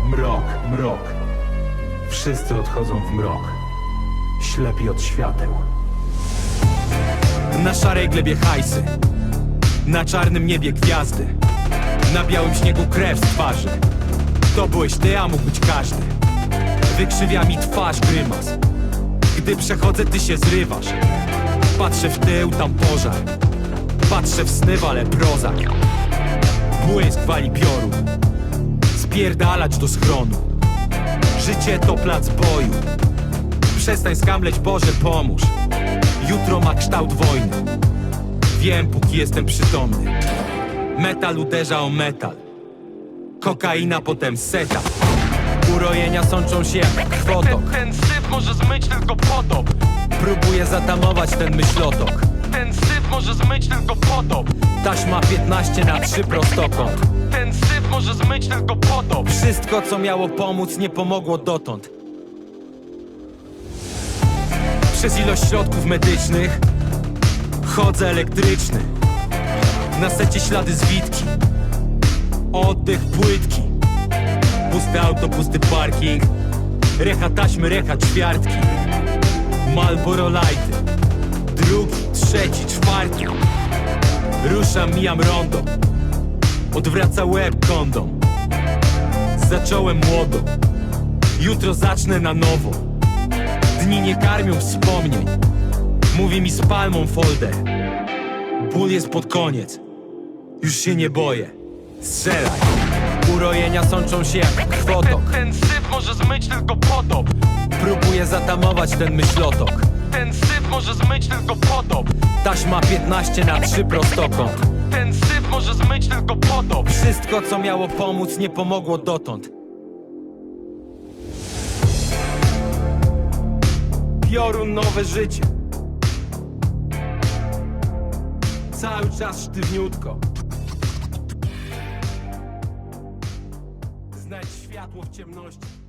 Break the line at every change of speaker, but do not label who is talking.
Mrok, mrok. Wszyscy odchodzą w mrok. Ślepi od świateł.
Na szarej glebie hajsy, na czarnym niebie gwiazdy, na białym śniegu krew z twarzy. To byłeś ty, a mógł być każdy. Wykrzywia mi twarz grymas. Gdy przechodzę, ty się zrywasz. Patrzę w tył, tam pożar. Patrzę w sny, wale prozak. Błysk wali piorun. Spierdalać do schronu. Życie to plac boju. Przestań skamleć, Boże pomóż. Jutro ma kształt wojny. Wiem, póki jestem przytomny. Metal uderza o metal. Kokaina, potem seta. Urojenia sączą się jak krwotok.
Ten syf może zmyć tylko potop.
Próbuję zatamować ten myślotok.
Ten syf może zmyć tylko potop.
Taśma 15:3 prostokąt.
Ten syf może zmyć tylko potop.
Wszystko, co miało pomóc, nie pomogło dotąd. Przez ilość środków medycznych chodzę elektryczny. Na secie ślady zwitki. Oddech płytki. Pusty auto, pusty parking. Recha taśmy, recha ćwiartki. Marlboro Lighty. Drugi, trzeci, czwarty. Ruszam, mijam rondo. Odwraca łeb kondom. Zacząłem młodo. Jutro zacznę na nowo. Dni nie karmią wspomnień. Mówi mi z palmą folder. Ból jest pod koniec. Już się nie boję. Strzelaj. Urojenia sączą się jak krwotok.
Ten syf może zmyć tylko potop.
Próbuję zatamować ten myślotok.
Ten syf może zmyć tylko potop.
Taśma 15:3 prostokąt.
Ten syf może zmyć tylko potop.
Wszystko, co miało pomóc, nie pomogło dotąd. Piorun, nowe życie. Cały czas sztywniutko. Znajdź światło w ciemności.